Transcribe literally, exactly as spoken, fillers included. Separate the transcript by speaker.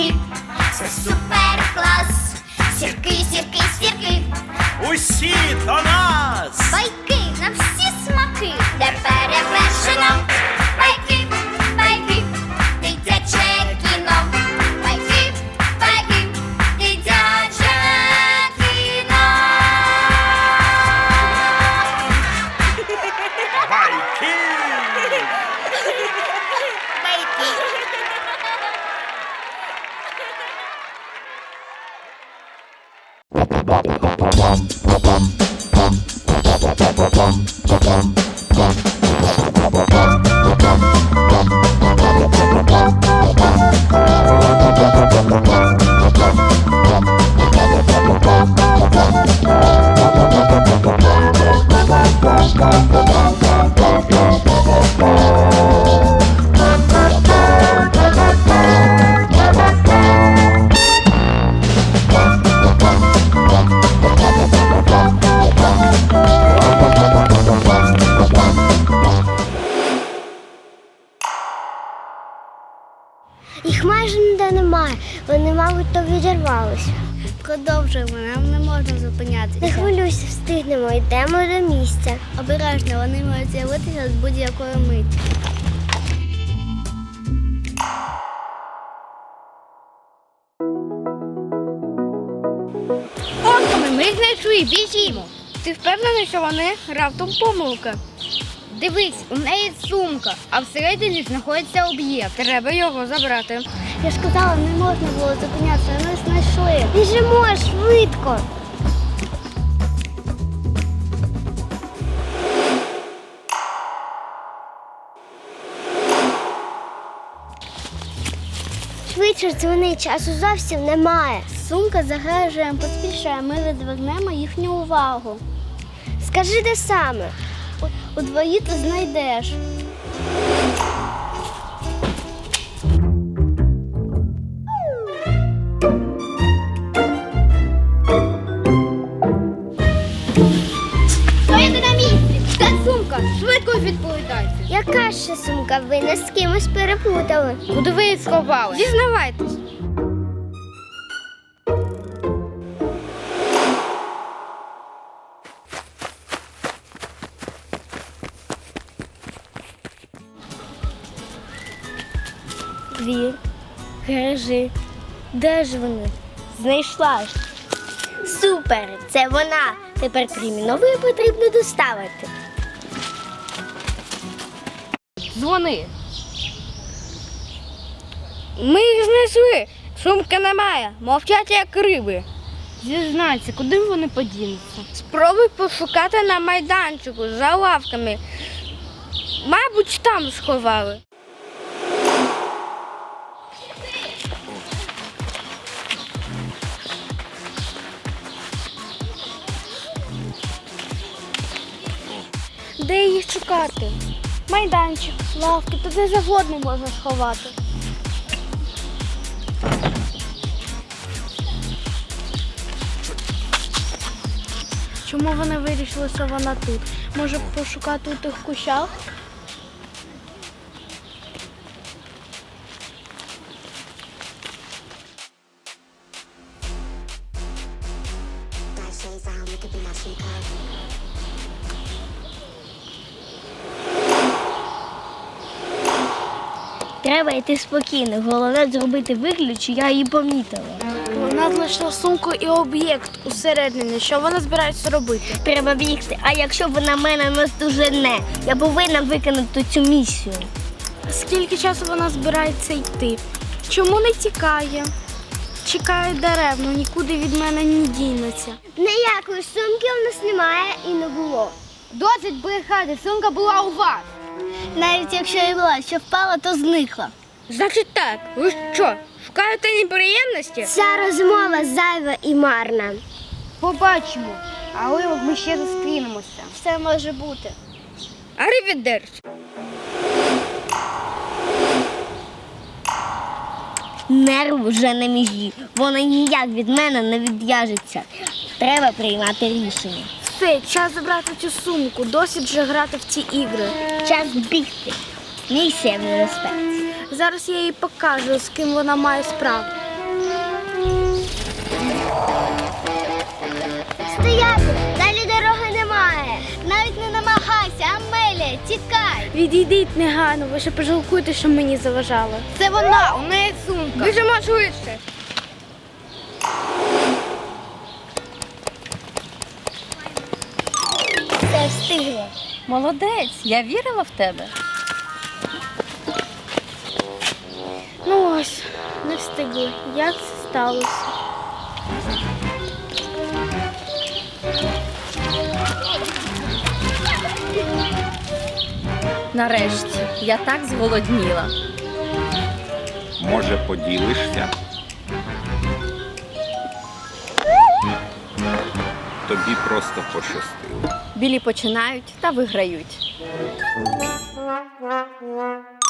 Speaker 1: сірки, це супер клас. Сірки, сірки, сірки,
Speaker 2: Усі до нас!
Speaker 1: байки на всі смаки, де перевершено. Байки, байки, дитяче кіно. Байки, байки, дитяче кіно.
Speaker 2: Байки!
Speaker 3: Їх майже ніде немає. Вони, мабуть, то відірвалися.
Speaker 4: Продовжуємо, нам не можна зупинятися.
Speaker 3: Не хвилюйся, встигнемо, йдемо до місця.
Speaker 4: Обережно, вони можуть з'явитися з будь-якої миті.
Speaker 5: Онками ми знайшли, біжімо. Ти впевнений, що вони раптом помилка? Дивись, у неї сумка, а всередині знаходиться об'єкт. Треба його забрати.
Speaker 4: Я ж казала, не можна було зупинятися, ми знайшли.
Speaker 3: Біжимо швидко. Швидше дзвони, часу зовсім немає.
Speaker 4: Сумка загрожує, поспішає, ми відвернемо їхню увагу.
Speaker 3: Скажи, де саме?
Speaker 4: У двої ти знайдеш.
Speaker 5: Стояти на місці! Де сумка? Швидко відповідайте.
Speaker 3: Яка ще сумка? Ви нас з кимось переплутали.
Speaker 5: Куди ви її сховали? Зізнавайтесь.
Speaker 3: Вір, кажи, де ж вони? Знайшла ж. Супер, це вона. Тепер терміново її потрібно доставити.
Speaker 5: Дзвони. Ми їх знайшли. Сумки немає. Мовчать як риби. Зізнайся, куди вони подінуться? Спробуй пошукати на майданчику за лавками. Мабуть, там сховали.
Speaker 4: Де їх шукати? Майданчик, лавки, то де завгодно можна сховати. Чому вони вирішили, що вона тут? Може пошукати у тих кущах?
Speaker 3: Треба йти спокійно. Головне зробити вигляд, що я її помітила.
Speaker 4: Вона знайшла сумку і об'єкт усередині. Що вона збирається робити?
Speaker 3: Треба бігти. А якщо вона мене наздожене, я повинна виконати цю місію.
Speaker 4: Скільки часу вона збирається йти? Чому не тікає? Чекає дерев, ну нікуди від мене не дінеться.
Speaker 3: Ніякої сумки у нас немає і не було.
Speaker 5: Досить брехати, сумка була у вас.
Speaker 4: Навіть якщо і була, що впала, то зникла.
Speaker 5: Значить так, ви що, шукаєте неприємності?
Speaker 3: Ця розмова зайва і марна.
Speaker 5: Побачимо, але ми ще зустрінемося.
Speaker 4: Все може бути.
Speaker 5: Арівідерчі.
Speaker 3: Нерв вже на межі. Вона ніяк від мене не відв'яжеться. Треба приймати рішення.
Speaker 4: Все, час забрати цю сумку. Досить вже грати в ці ігри.
Speaker 3: Час бігти. Місія в небезпеці.
Speaker 4: Зараз я їй покажу, з ким вона має справу.
Speaker 1: стояти, далі дороги немає. Навіть не намагайся, Амелія, тікай.
Speaker 4: Відійдіть негайно, ви ще пожалкуєте, що мені заважало.
Speaker 5: Це вона, у неї сумка. Біжимо швидше.
Speaker 1: Все встигла.
Speaker 6: Молодець, я вірила в тебе.
Speaker 4: Ну ось, не встигли. Як це сталося?
Speaker 6: Нарешті, я так зголодніла.
Speaker 7: Може, поділишся? Тобі просто пощастило.
Speaker 6: Білі починають та виграють.